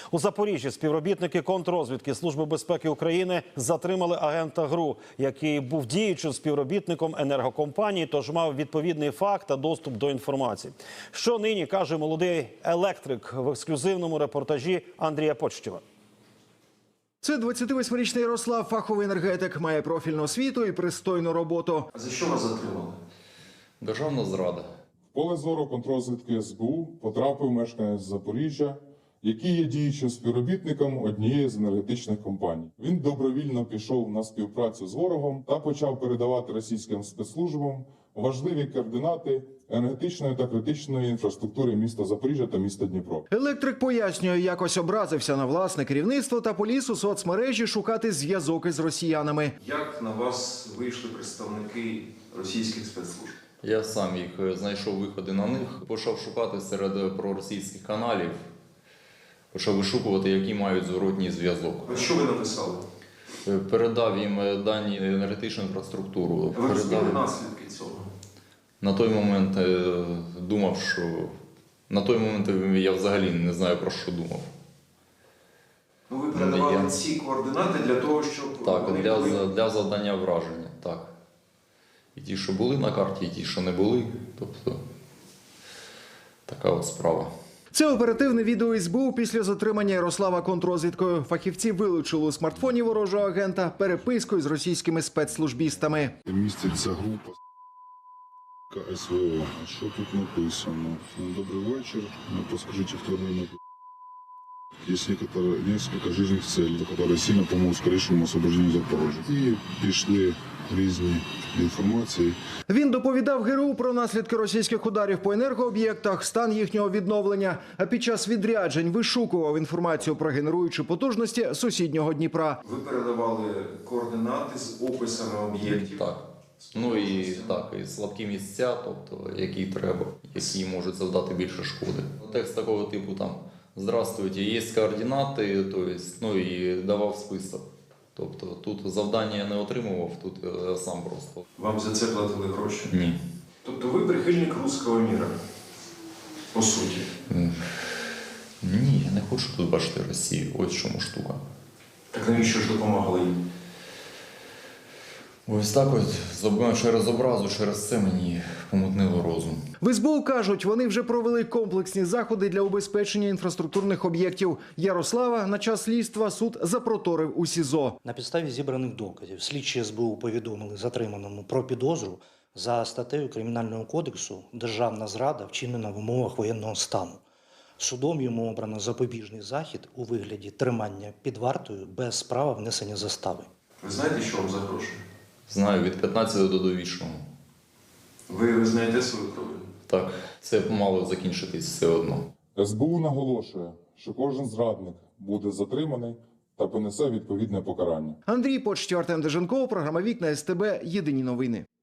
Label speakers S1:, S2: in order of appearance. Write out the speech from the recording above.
S1: У Запоріжжі співробітники контррозвідки Служби безпеки України затримали агента ГРУ, який був діючим співробітником енергокомпанії, тож мав відповідний факт та доступ до інформації. Що нині каже молодий електрик в ексклюзивному репортажі Андрія Почтєва.
S2: Це 28-річний Ярослав, фаховий енергетик, має профільну освіту і пристойну роботу.
S3: А за що вас затримали?
S4: Державна зрада.
S5: В поле зору контррозвідки СБУ потрапив мешканець Запоріжжя, який є діючим співробітником однієї з енергетичних компаній. Він добровільно пішов на співпрацю з ворогом та почав передавати російським спецслужбам важливі координати енергетичної та критичної інфраструктури міста Запоріжжя та міста Дніпро.
S2: Електрик пояснює, якось образився на власне керівництво та поліз у соцмережі шукати зв'язок із росіянами.
S3: Як на вас вийшли представники російських спецслужб?
S4: Я сам їх знайшов виходи на них, почав шукати серед проросійських каналів, почав вишукувати, які мають зворотній зв'язок.
S3: Що ви написали?
S4: Передав їм дані енергетичну інфраструктуру.
S3: Ви розуміли наслідки цього?
S4: На той момент думав, що... На той момент я взагалі не знаю, про що думав.
S3: Ну, ви передавали ці координати для того, щоб...
S4: Так, для завдання враження, так. І ті, що були на карті, і ті, що не були. Тобто, така от справа.
S2: Це оперативне відео СБУ після затримання Ярослава контррозвідкою. Фахівці вилучили у смартфоні ворожого агента переписку з російськими спецслужбістами.
S6: Міститься група СВО. А що тут написано? Добрий вечір. Подскажите, хто не Есть несколько жизненных целей, которые сильно помогут скорейшему освобождению Запорожья. І пішли різні інформації.
S2: Він доповідав ГРУ про наслідки російських ударів по енергооб'єктах, стан їхнього відновлення, а під час відряджень вишукував інформацію про генеруючі потужності сусіднього Дніпра.
S3: Ви передавали координати з описами об'єктів?
S4: Так. Ну і так, і слабкі місця, тобто, які треба, які можуть завдати більше шкоди. Текст такого типу там: «Здравствуйте, є координати», ну і давав список. Тобто тут завдання я не отримував, тут сам просто.
S3: Вам за це платили гроші?
S4: Ні.
S3: Тобто ви прихильник руського міра, по суті?
S4: Ні, я не хочу тут бачити Росію, ось в чому штука.
S3: Так навіщо ж допомагали їм?
S4: Ось так от, через образу, через це мені помутнило розум.
S2: В СБУ кажуть, вони вже провели комплексні заходи для убезпечення інфраструктурних об'єктів. Ярослава на час слідства суд запроторив у СІЗО.
S7: На підставі зібраних доказів слідчі СБУ повідомили затриманому про підозру за статтею Кримінального кодексу «Державна зрада, вчинена в умовах воєнного стану». Судом йому обрано запобіжний захід у вигляді тримання під вартою без права внесення застави.
S3: Ви знаєте, що вам загрожує?
S4: Знаю, від 15 до довічного.
S3: Ви знаєте свою провину?
S4: Так, це мало закінчитись все одно.
S5: СБУ наголошує, що кожен зрадник буде затриманий та понесе відповідне покарання.
S2: Андрій Почтєв, Артем Деженков, програма «Вікна СТБ», єдині новини.